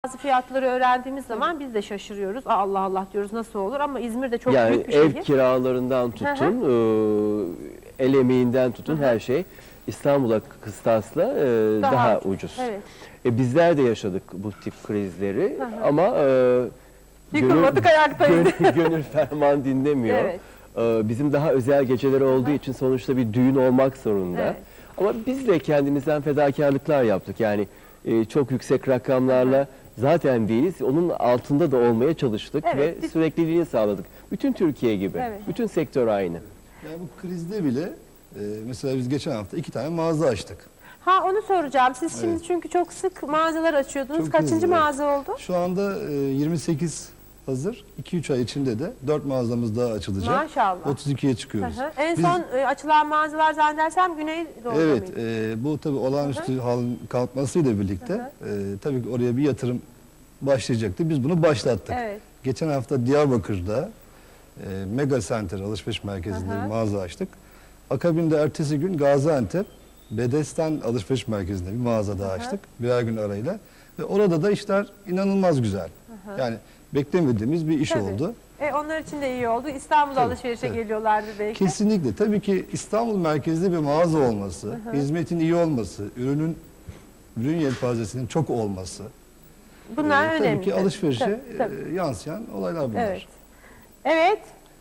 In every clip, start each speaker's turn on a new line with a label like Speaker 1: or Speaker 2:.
Speaker 1: Bazı fiyatları öğrendiğimiz zaman biz de şaşırıyoruz. Allah Allah diyoruz, nasıl olur, ama İzmir de çok
Speaker 2: yani
Speaker 1: büyük bir şehir.
Speaker 2: ev kiralarından tutun, el emeğinden tutun her şey İstanbul'a kıstasla daha ucuz.
Speaker 1: Evet.
Speaker 2: Bizler de yaşadık bu tip krizleri ama
Speaker 1: yıkılmadık, ayaktayız.
Speaker 2: Gönül ferman dinlemiyor.
Speaker 1: Evet.
Speaker 2: Bizim daha özel geceleri olduğu için sonuçta bir düğün olmak zorunda.
Speaker 1: Evet.
Speaker 2: Ama biz de kendimizden fedakarlıklar yaptık. Yani çok yüksek rakamlarla zaten değiliz. Onun altında da olmaya çalıştık
Speaker 1: Evet,
Speaker 2: ve sürekliliğini sağladık. Bütün Türkiye gibi.
Speaker 1: Evet.
Speaker 2: Bütün sektör aynı.
Speaker 3: Yani bu krizde bile mesela biz geçen hafta 2 tane mağaza açtık.
Speaker 1: Ha, onu soracağım. Siz şimdi çünkü çok sık mağazalar açıyordunuz.
Speaker 3: Çok
Speaker 1: Kaçıncı
Speaker 3: hızlı.
Speaker 1: mağaza oldu?
Speaker 3: Şu anda 28 hazır. 2-3 ay içinde de 4 mağazamız daha açılacak.
Speaker 1: Maşallah.
Speaker 3: 32'ye çıkıyoruz.
Speaker 1: En
Speaker 3: Biz-
Speaker 1: son açılan mağazalar zannedersem Güneydoğu'da
Speaker 3: Evet,
Speaker 1: mıydı?
Speaker 3: bu tabii olağanüstü halin kalkmasıyla birlikte tabii ki oraya bir yatırım başlayacaktı. Biz bunu başlattık.
Speaker 1: Evet.
Speaker 3: Geçen hafta Diyarbakır'da Mega Center alışveriş merkezinde bir mağaza açtık. Akabinde ertesi gün Gaziantep Bedesten alışveriş merkezinde bir mağaza daha açtık. Birer gün arayla. Ve orada da işler inanılmaz güzel. Yani beklemediğimiz bir iş
Speaker 1: Tabii.
Speaker 3: oldu.
Speaker 1: Onlar için de iyi oldu. İstanbul'a
Speaker 3: Tabii,
Speaker 1: alışverişe
Speaker 3: evet.
Speaker 1: geliyorlardı belki.
Speaker 3: Kesinlikle. Tabii ki İstanbul merkezli bir mağaza olması, hizmetin iyi olması, ürün yelpazesinin çok olması.
Speaker 1: Bunlar önemli.
Speaker 3: Tabii ki alışverişe
Speaker 1: Tabii.
Speaker 3: yansıyan olaylar bunlar.
Speaker 1: Evet. Evet.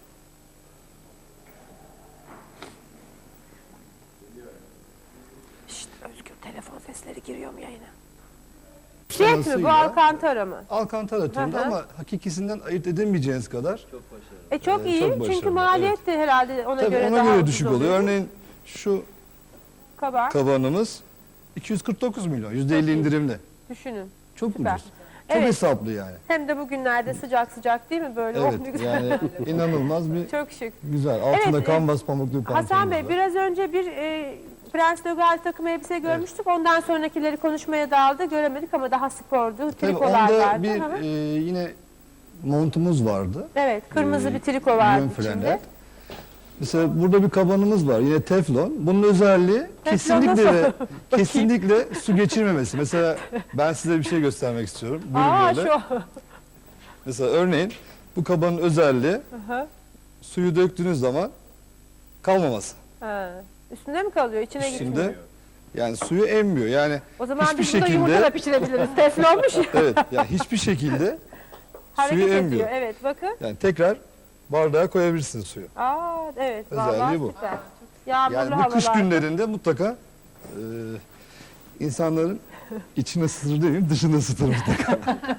Speaker 1: Şşt, Özgür, telefon sesleri giriyor mu yayına? Jet mi bu,
Speaker 3: Sırasıyla
Speaker 1: Alcantara mı?
Speaker 3: Alcantara türünde ama hakikisinden ayırt edemeyeceğiniz kadar
Speaker 1: Çok iyi,
Speaker 3: çok
Speaker 1: çünkü
Speaker 3: başarılı,
Speaker 1: maliyet de herhalde ona
Speaker 3: tabii
Speaker 1: göre
Speaker 3: ona
Speaker 1: daha
Speaker 3: göre
Speaker 1: ucuz
Speaker 3: düşük oluyor. Örneğin şu
Speaker 1: Kabar,
Speaker 3: kabanımız 249 milyon, %50
Speaker 1: Çok iyi.
Speaker 3: indirimli.
Speaker 1: düşünün.
Speaker 3: Çok
Speaker 1: Süper.
Speaker 3: ucuz. Çok
Speaker 1: Evet.
Speaker 3: hesaplı yani.
Speaker 1: Hem de bugünlerde sıcak sıcak değil mi böyle? Oh, ne
Speaker 3: Evet,
Speaker 1: güzel.
Speaker 3: yani inanılmaz bir
Speaker 1: Çok şık.
Speaker 3: güzel. Altında
Speaker 1: Evet,
Speaker 3: kanvas pamuklu bir pantolonumuz
Speaker 1: Hasan Bey,
Speaker 3: var.
Speaker 1: biraz önce bir Prens de Galles takım elbise görmüştük. Ondan sonrakileri konuşmaya daldı. Göremedik ama daha spordu.
Speaker 3: Tabii
Speaker 1: Trikolar
Speaker 3: onda
Speaker 1: vardı.
Speaker 3: bir
Speaker 1: Hı hı.
Speaker 3: yine montumuz vardı.
Speaker 1: Evet, kırmızı bir triko vardı
Speaker 3: Yön frenler.
Speaker 1: içinde.
Speaker 3: Mesela burada bir kabanımız var, yine teflon. Bunun özelliği kesinlikle
Speaker 1: nasıl?
Speaker 3: ve kesinlikle su geçirmemesi. Mesela ben size bir şey göstermek istiyorum. Buyurun
Speaker 1: Aa,
Speaker 3: böyle.
Speaker 1: şu.
Speaker 3: Mesela örneğin bu kabanın özelliği
Speaker 1: Hı.
Speaker 3: suyu döktüğünüz zaman kalmaması.
Speaker 1: Ha. Üstünde mi kalıyor? İçine gitmiyor.
Speaker 3: Üstünde yani suyu emmiyor. Yani
Speaker 1: O zaman
Speaker 3: hiçbir
Speaker 1: biz burada yumurta
Speaker 3: şekilde
Speaker 1: da pişirebiliriz. Teflonmuş ya.
Speaker 3: evet yani hiçbir şekilde
Speaker 1: Hareket
Speaker 3: suyu
Speaker 1: ediyor.
Speaker 3: emmiyor.
Speaker 1: Evet, bakın.
Speaker 3: Yani tekrar bardağa koyabilirsiniz suyu.
Speaker 1: Aa, evet.
Speaker 3: Özelliği
Speaker 1: Vallahi
Speaker 3: bu.
Speaker 1: süper. Yağmurlu
Speaker 3: Yani bu
Speaker 1: havalar.
Speaker 3: kış günlerinde mutlaka insanların içini ısıtır demeyeyim, dışını ısıtır mutlaka.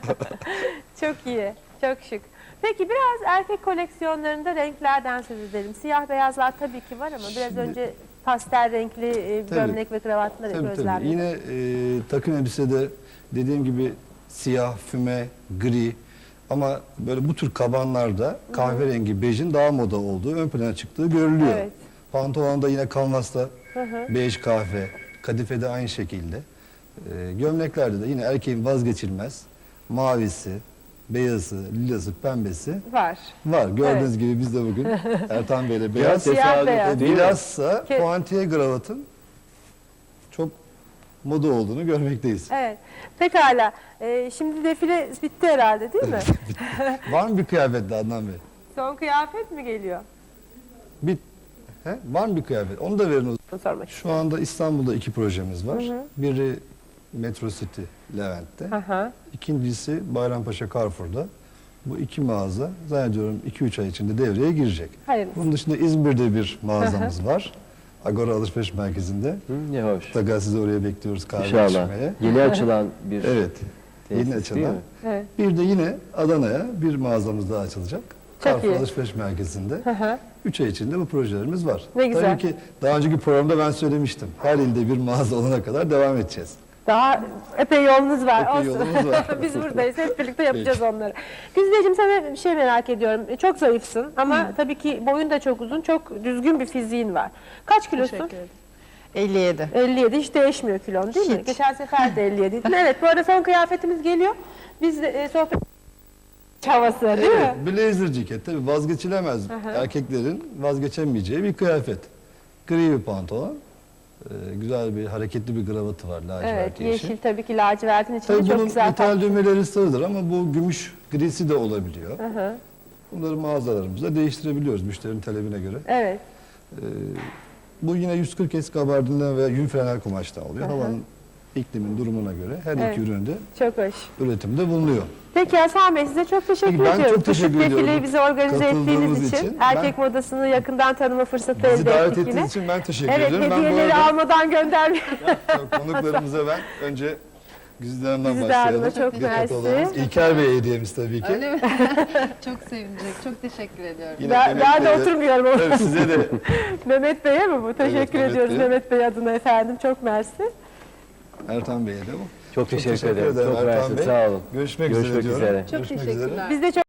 Speaker 1: Çok iyi. Çok şık. Peki biraz erkek koleksiyonlarında renklerden söz edelim. Siyah beyazlar tabii ki var ama biraz
Speaker 3: Şimdi-
Speaker 1: önce pastel renkli
Speaker 3: Tabii.
Speaker 1: gömlek ve kravatlar
Speaker 3: Tabii tabii.
Speaker 1: gözlemledim.
Speaker 3: Yine takım elbisede dediğim gibi siyah, füme, gri ama böyle bu tür kabanlarda kahverengi, bejin daha moda olduğu, ön plana çıktığı görülüyor.
Speaker 1: Evet.
Speaker 3: Pantolonda yine kanvasta
Speaker 1: hı.
Speaker 3: bej kahve, kadifede aynı şekilde. Gömleklerde de yine erkeğin vazgeçilmez mavisi, beyazı, lilası, pembesi
Speaker 1: Var.
Speaker 3: var. Gördüğünüz gibi biz de bugün Ertan Bey'le beyaz.
Speaker 2: Biraz
Speaker 1: Siyah
Speaker 2: tesadüf
Speaker 1: beyaz.
Speaker 2: değil mi?
Speaker 3: Bilhassa
Speaker 1: Ke-
Speaker 3: puantiye kravatın çok moda olduğunu görmekteyiz.
Speaker 1: Evet. Pekala. Şimdi defile bitti herhalde değil mi?
Speaker 3: Var mı bir kıyafet de Adnan Bey?
Speaker 1: Son kıyafet mi geliyor?
Speaker 3: Var mı bir kıyafet? Onu da verin o zaman.
Speaker 1: Bunu sormak
Speaker 3: Şu anda İstanbul'da 2 projemiz var. Biri Metro City Levent'te.
Speaker 1: Aha.
Speaker 3: İkincisi Bayrampaşa Carrefour'da. Bu 2 mağaza zannediyorum 2-3 ay içinde devreye girecek.
Speaker 1: Hayırlısı.
Speaker 3: Bunun dışında İzmir'de bir mağazamız var. Agora Alışveriş Merkezi'nde.
Speaker 2: Ne hoş.
Speaker 3: Mutlaka sizi oraya bekliyoruz kahve
Speaker 2: İnşallah.
Speaker 3: içmeye.
Speaker 2: Yeni açılan bir
Speaker 3: Evet.
Speaker 2: tesis
Speaker 3: Yeni
Speaker 2: değil
Speaker 3: açılan.
Speaker 2: mi?
Speaker 1: Evet.
Speaker 3: Bir de yine Adana'ya bir mağazamız daha açılacak. Carrefour
Speaker 1: iyi.
Speaker 3: Alışveriş Merkezi'nde.
Speaker 1: hı.
Speaker 3: 3 ay içinde bu projelerimiz var.
Speaker 1: Ne güzel.
Speaker 3: Tabii ki daha önceki programda ben söylemiştim. Her ilde bir mağaza olana kadar devam edeceğiz.
Speaker 1: Daha epey yolunuz var.
Speaker 3: Epey
Speaker 1: Olsun.
Speaker 3: yolumuz var.
Speaker 1: Biz buradayız. Hep birlikte yapacağız onları. Güzdeciğim, sana bir şey merak ediyorum. Çok zayıfsın ama tabii ki boyun da çok uzun. Çok düzgün bir fiziğin var. Kaç kilosun?
Speaker 4: Teşekkür ederim. 57.
Speaker 1: 57. Hiç değişmiyor kilon değil mi?
Speaker 4: Hiç.
Speaker 1: Geçen sefer de 57'ydin. Evet, bu arada son kıyafetimiz geliyor. Biz de, sohbet havası değil mi?
Speaker 3: Evet, blazer ceket tabii vazgeçilemez. Erkeklerin vazgeçemeyeceği bir kıyafet. Gri bir pantolon, Güzel bir hareketli bir kravatı var lacivert
Speaker 1: Evet, yeşil tabii ki lacivertin içinde
Speaker 3: Tabii
Speaker 1: çok
Speaker 3: bunun
Speaker 1: güzel.
Speaker 3: ithal düğmeleri sarıdır ama bu gümüş grisi de olabiliyor.
Speaker 1: Hı hı.
Speaker 3: Bunları mağazalarımızda değiştirebiliyoruz müşterinin talebine göre.
Speaker 1: Evet.
Speaker 3: Bu yine 140 eski gabardinen veya yün frenel kumaştan oluyor.
Speaker 1: Hı hı.
Speaker 3: Havanın, iklimin durumuna göre her
Speaker 1: Evet.
Speaker 3: iki üründe
Speaker 1: Çok hoş.
Speaker 3: üretimde bulunuyor.
Speaker 1: Peki Hasan Bey, size çok teşekkür
Speaker 3: Peki, ben
Speaker 1: ediyorum.
Speaker 3: çok teşekkür
Speaker 1: Küçük defileyi
Speaker 3: ediyorum.
Speaker 1: bize organize
Speaker 3: Katıldığınız
Speaker 1: ettiğiniz için.
Speaker 3: için.
Speaker 1: Erkek modasını yakından tanıma fırsatı
Speaker 3: Bizi
Speaker 1: elde
Speaker 3: davet
Speaker 1: ettik yine.
Speaker 3: ettiğiniz için ben teşekkür
Speaker 1: Evet,
Speaker 3: ediyorum. Ben bu
Speaker 1: hediyeleri
Speaker 3: arada
Speaker 1: almadan göndermiyorum.
Speaker 3: konuklarımıza ben önce Güzide Hanım'dan
Speaker 1: Güzide Hanım'a
Speaker 3: başlayalım.
Speaker 1: çok
Speaker 3: Bir
Speaker 1: mersi.
Speaker 3: kataloğumuz. İlker Bey hediyemiz tabii ki.
Speaker 4: Öyle mi? Çok sevinecek. Çok teşekkür ediyorum.
Speaker 3: Yine
Speaker 1: Ben
Speaker 3: Mehmet
Speaker 1: de
Speaker 3: Bey'e-
Speaker 1: oturmuyorum ama.
Speaker 3: Tabii size de
Speaker 1: Mehmet Bey'e mi bu? Teşekkür
Speaker 3: Mehmet
Speaker 1: ediyoruz
Speaker 3: Bey'e.
Speaker 1: Mehmet Bey adına efendim. Çok mersi.
Speaker 3: Ertan Bey'e de bu.
Speaker 2: Çok teşekkür ederim. Çok
Speaker 3: Ertan
Speaker 2: mersi.
Speaker 3: Bey.
Speaker 2: Sağ olun.
Speaker 3: Görüşmek
Speaker 2: Görüşmek
Speaker 3: üzere diyorum.
Speaker 2: üzere.
Speaker 4: Çok
Speaker 3: Görüşmek
Speaker 4: teşekkürler.
Speaker 1: Biz de çok